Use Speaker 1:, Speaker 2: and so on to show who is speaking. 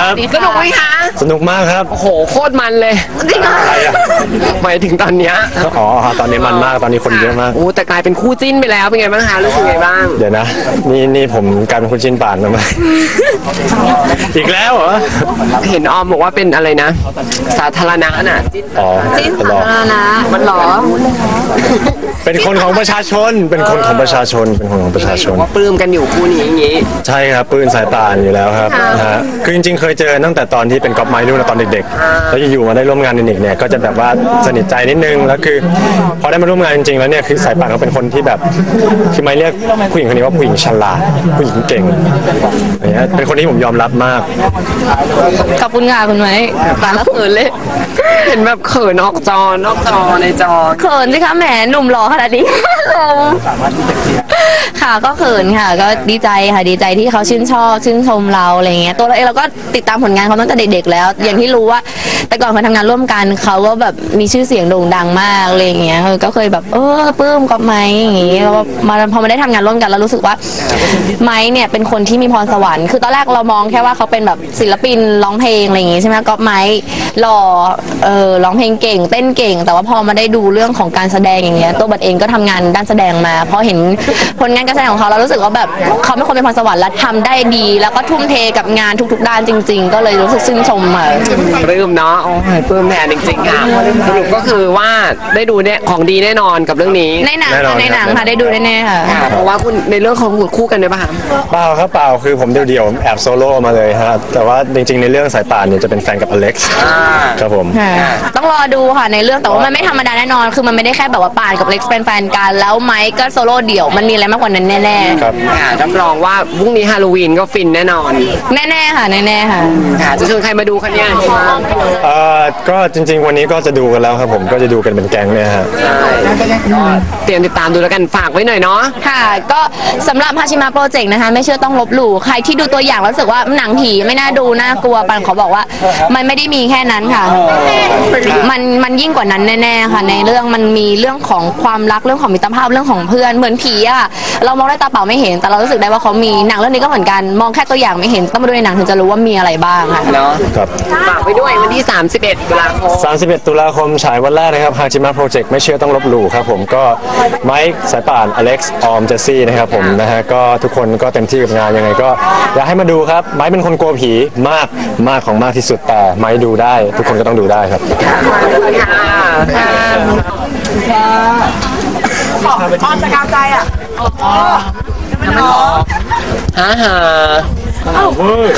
Speaker 1: ครับ
Speaker 2: สนุกไหมคะ
Speaker 1: สนุกมากครับ
Speaker 2: โอ้โหโคตรมันเลยจริงเหรอหมายถึงตอนเนี้ย
Speaker 1: อ๋อตอนนี้มันมากตอนนี้คนเยอะมาก
Speaker 2: โอ้แต่กลายเป็นคู่จิ้นไปแล้วเป็นไงบ้างคะรู้สึกไงบ้าง
Speaker 1: เดี๋ยวนะนี่ผมกลายเป็นคุณชินป่านมาอีกแล้วเหรอ
Speaker 2: เห็นออมบอกว่าเป็นอะไรนะ สาธารณะน่ะ
Speaker 1: อ๋อ
Speaker 3: จิ้น
Speaker 1: เป็น
Speaker 3: สา
Speaker 1: หรอ
Speaker 3: ธารณะมันหรอ
Speaker 1: เป็นคนของประชาชนเป็นคนของประชาชนเป็นคนของประชาชน
Speaker 2: ว่าปลื้มกันอยู่คู่นี้อย่างงี้
Speaker 1: ใช่ครับปืนสายป่านอยู่แล้วครับนะฮะคือจริงๆเคยเจอตั้งแต่ตอนที่เป็นก๊อปไม้นู่นนะตอนเด็กๆแล้วอยู่ๆมาได้ร่วมงานในนิกเนี่ยก็จะแบบว่าสนิทใจนิดนึงแล้วคือพอได้มาร่วมงานจริงๆแล้วเนี่ยคือสายป่านเขาเป็นคนที่แบบคือไม่เรียกผู้หญิงคนนี้ว่าผู้หญิงฉลาดผู้หญิงเก่งอย่างเงี้ยเป็นคนที่ผมยอมรับมาก
Speaker 3: ขอบคุณค่ะคุณไม้ตาละเขินเลย
Speaker 2: เห็นแบบเขินนอกจในจอ
Speaker 3: เขินสิคะแหมหนุ่มหล่อขนาดนี้ ค่ะก็เขินค่ะก็ดีใจค่ะดีใจที่เขาชื่นชอบชื่นชมเราอะไรเงี้ยตัวเราเองเราก็ติดตามผลงานเขาตั้งแต่เด็กๆแล้ว อย่างที่รู้ว่าแต่ก่อนเขาทำงานร่วมกันเขาก็แบบมีชื่อเสียงโด่งดังมากอะไรเงี้ยก็เคยแบบปลื้มกับไม้อย่างงี้แล้วพอมาได้ทำงานร่วมกันแล้วรู้สึกว่าไม้เนี่ยเป็นคนที่มีพรสวรรค์คือตอนแรกเรามองแค่ว่าเขาเป็นแบบศิลปินร้องเพลงอะไรอย่างงี้ใช่ไหมก็ไม้หล่อร้องเพลงเก่งเต้นเก่งแต่ว่าพอมาได้ดูเรื่องของการแสดงอย่างเงี้ยตัวบัตรเองก็ทำงานด้านแสดงมาพอเห็นผลงานการแสดงของเขาเรารู้สึกว่าแบบเขาเป็นคนมีพรสวรรค์และทำได้ดี แล้วก็ทุ่มเทกับงานทุกๆด้านจริงๆก็เลยรู้สึกชื่นชมค่ะ
Speaker 2: ปลื้มเนาะโอ้ยปลื้มแทนจริงๆค่ะสรุปก็คือว่าได้ดูเนี่ยของดีแน่นอนกับเรื่องนี้
Speaker 3: ในหนัง
Speaker 1: แน่นอน
Speaker 3: ค่ะในหนัง
Speaker 1: ครับ
Speaker 3: ค่ะได้ดูแน่ๆค่ะ
Speaker 2: ค่ะเพราะว่าคุณในเรื่องของคู่กันด้วยป่ะคะ
Speaker 1: เปล่าครับเปล่าคือผมเดี่ยวๆแอบโซโล่มาเลยฮะแต่ว่าจริงๆในเรื่องสายป่านเนี่ยจะเป็นแฟนกับอเล็กซ์ครับผม
Speaker 3: ต้องรอดูค่ะในเรื่องแต่ว่ามันไม่ธรรมดาแน่นอนคือมันไม่ได้แค่แบบว่าป่านกับเล็กซ์เป็นแฟนกันแล้วไมค์ก็โซโล่เดี่ยวมันมีอะไรมากกว่านั้นแน่
Speaker 1: ครับ
Speaker 2: ค่ะรับรองว่าพรุ่งนี้ฮาโลวีนก็ฟินแน่นอน
Speaker 3: ๆแน่ๆค่ะแน่ๆค่ะ
Speaker 2: ค่ะจะชวนใครมาดูคะเนี่ย
Speaker 1: ก็จริงๆวันนี้ก็จะดูกันแล้วครับผมก็จะดูกันเป็นแก๊งเนี่ยฮะ
Speaker 2: ก็เตรียมติดตามดูแล้วกันฝากไว้หน่อยเนาะ
Speaker 3: ค่ะก็สำหรับฮาชิมะโปรเจกต์นะคะไม่เชื่อต้องลบหลู่ใครที่ดูตัวอย่างแล้วรู้สึกว่าหนังผีไม่น่าดูน่ากลัวปันขอบอกว่ามันไม่ได้มีแค่นั้นค่ะมันยิ่งกว่านั้นแน่ๆค่ะในเรื่องมันมีเรื่องของความรักเรื่องของมิตรภาพเรื่องของเพื่อนเหมือนผีอะเรามองด้วยตาเปล่าไม่เห็นแต่เรารู้สึกได้ว่าเขามีหนังเรื่องนี้ก็เหมือนกันมองแค่ตัวอย่างไม่เห็นต้องมาดูในหนังถึงจะรู้ว่ามีอะไรบ้างค่ะ
Speaker 2: เนาะ
Speaker 1: ครับ
Speaker 2: ฝากไว้ด้วยวันที่ 31 ตุลาคม
Speaker 1: 31 ตุลาคมฉายวันแรกนะครับฮาจิมะโปรเจกต์ไม่เชื่อต้องลบหลู่ครับผมก็ไมค์สายป่านอเล็กซ์ออมเจสซี่นะครับผมนะฮะก็ทุกคนก็เต็มที่กับงานยังไงก็อยากให้มาดูครับไมค์เป็นคนกลัวผีมากของมากที่สุดแต่ไมค์ดูได้ ทุกคนก็ต้องดูได้ครับ
Speaker 2: อ้อนจะกาวใจอ่ะฮ่า